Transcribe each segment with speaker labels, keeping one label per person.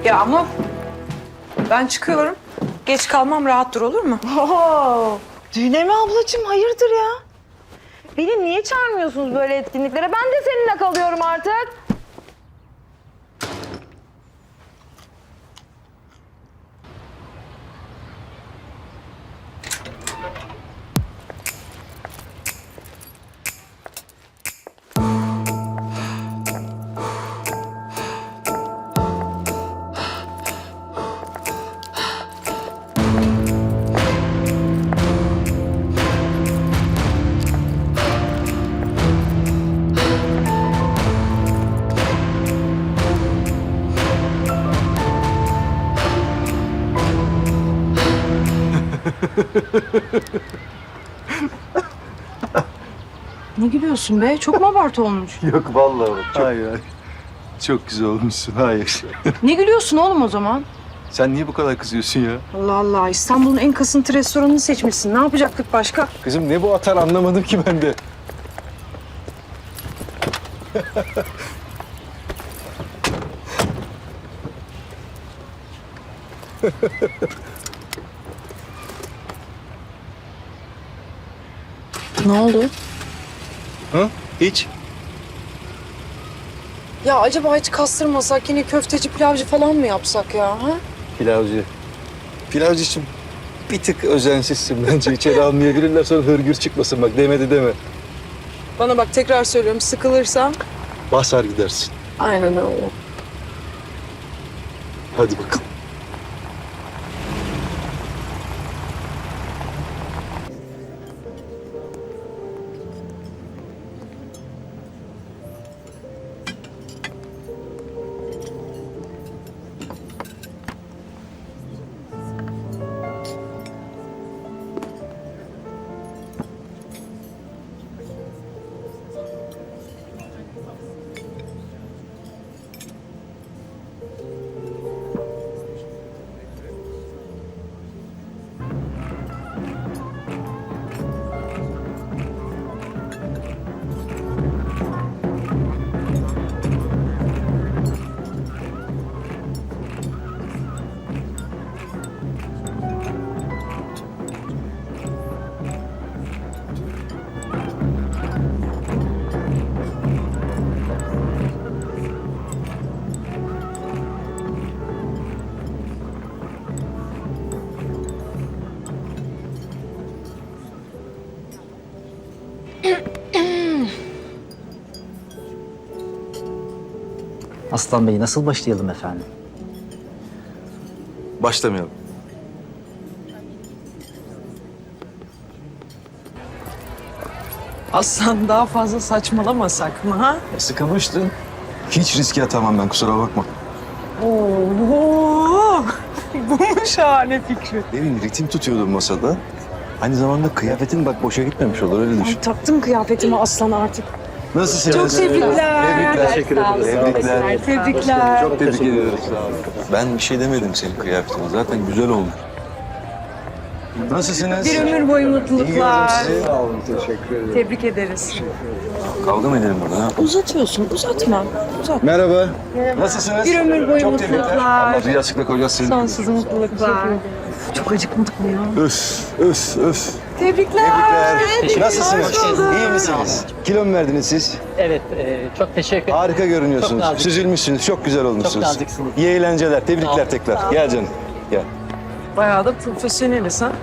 Speaker 1: Ya ama ben çıkıyorum. Geç kalmam, rahat dur, olur mu?
Speaker 2: Oo, düğüne mi ablacığım? Hayırdır ya? Beni niye çağırmıyorsunuz böyle etkinliklere? Ben de seninle kalıyorum artık.
Speaker 1: Ne gülüyorsun be? Çok mu abartı olmuş?
Speaker 3: Yok vallahi bak. Hayır. Çok güzel olmuşsun. Hayır.
Speaker 1: Ne gülüyorsun oğlum o zaman?
Speaker 3: Sen niye bu kadar kızıyorsun ya?
Speaker 1: Allah Allah, İstanbul'un en kasıntı restoranını seçmişsin. Ne yapacaktık başka?
Speaker 3: Kızım ne bu atar anlamadım ki ben de.
Speaker 1: Ne oldu?
Speaker 3: Ha? Hiç.
Speaker 1: Ya acaba hiç kastırmasak, yine köfteci, pilavcı falan mı yapsak ya? Ha?
Speaker 3: Pilavcı. Pilavcıcığım bir tık özensizsin bence. İçeri almayabilirler sonra hırgür çıkmasın bak demedi deme.
Speaker 1: Bana bak, tekrar söylüyorum, sıkılırsam.
Speaker 3: Basar gidersin.
Speaker 1: Aynen öyle.
Speaker 3: Hadi bakalım.
Speaker 4: Aslan Bey, nasıl başlayalım efendim?
Speaker 3: Başlamayalım.
Speaker 1: Aslan, daha fazla saçmalamasak mı ha?
Speaker 3: Sıkılmıştın. Hiç riske atamam ben kusura bakma.
Speaker 1: Oo, bu mu şahane fikri?
Speaker 3: Demin ritim tutuyordum masada. Aynı zamanda kıyafetin bak boşa gitmemiş olur öyle düşün.
Speaker 1: Ay, taktım kıyafetimi Aslan artık.
Speaker 3: Nasılsınız?
Speaker 1: Çok tebrikler.
Speaker 3: Tebrikler. Teşekkür ederim. Tebrikler.
Speaker 1: Tebrikler.
Speaker 3: Çok tebrik ediyoruz. Ben bir şey demedim senin kıyafetine. Zaten güzel olmuş. Nasılsınız?
Speaker 1: Bir ömür boyu
Speaker 3: İyi gördüm
Speaker 1: mutluluklar.
Speaker 3: sizi. Sağ olun. Teşekkür ederim.
Speaker 1: Tebrik ederiz.
Speaker 3: Kavga mı edelim burada? Ha?
Speaker 1: Uzatıyorsun, uzatma. Uzat.
Speaker 3: Merhaba. Nasılsınız?
Speaker 1: Bir ömür boyu
Speaker 3: Çok tebrikler.
Speaker 1: mutluluklar.
Speaker 3: Allah rüyasıyla kocası seni.
Speaker 1: Sonsuz mutluluklar. Çok acıkmadık mı ya?
Speaker 3: Öf, öf, öf.
Speaker 1: Tebrikler.
Speaker 3: Tebrikler. Nasılsınız? İyi misiniz? Kilo mu verdiniz siz?
Speaker 4: Evet, çok teşekkür ederim.
Speaker 3: Harika görünüyorsunuz.
Speaker 4: Çok nazik.
Speaker 3: Süzülmüşsünüz. Çok güzel olmuşsunuz.
Speaker 4: Çok naziksiniz.
Speaker 3: İyi eğlenceler. Tebrikler
Speaker 4: Sağ
Speaker 3: tekrar. Gel canım. Gel.
Speaker 1: Bayağı da profesyoneliz ha.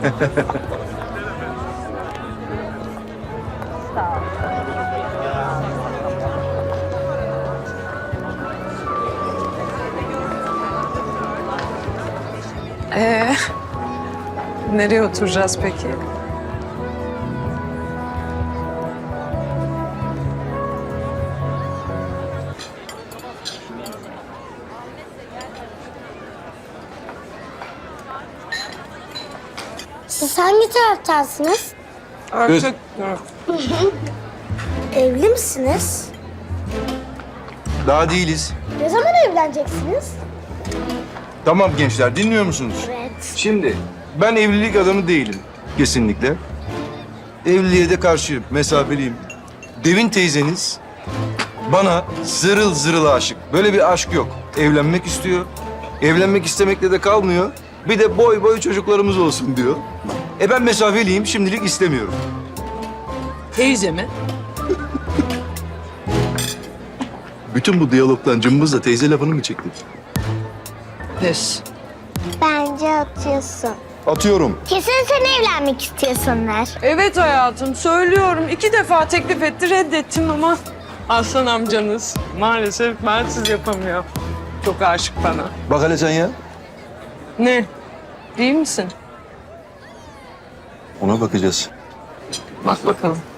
Speaker 1: Ee, nereye oturacağız peki?
Speaker 5: Siz hangi taraftansınız?
Speaker 1: Artık
Speaker 5: Evli misiniz?
Speaker 3: Daha değiliz.
Speaker 5: Ne zaman evleneceksiniz?
Speaker 3: Tamam gençler dinliyor musunuz?
Speaker 5: Evet.
Speaker 3: Şimdi ben evlilik adamı değilim kesinlikle. Evliliğe de karşıyım, mesafeliyim. Devin teyzeniz bana zırıl zırıl aşık. Böyle bir aşk yok. Evlenmek istiyor. Evlenmek istemekle de kalmıyor. Bir de boy boy çocuklarımız olsun diyor. Ben mesafeliyim, şimdilik istemiyorum.
Speaker 1: Teyze mi?
Speaker 3: Bütün bu diyalogdan cımbızla teyze lafını mı çektin?
Speaker 1: Pes.
Speaker 5: Bence atıyorsun.
Speaker 3: Atıyorum.
Speaker 5: Kesin sen evlenmek istiyorsunlar.
Speaker 1: Evet hayatım söylüyorum. 2 defa teklif etti reddettim ama Aslan amcanız maalesef bensiz yapamıyor. Çok aşık bana.
Speaker 3: Bak hele sen ya.
Speaker 1: Ne? Değil misin?
Speaker 3: Ona bakacağız.
Speaker 1: Bak bakalım.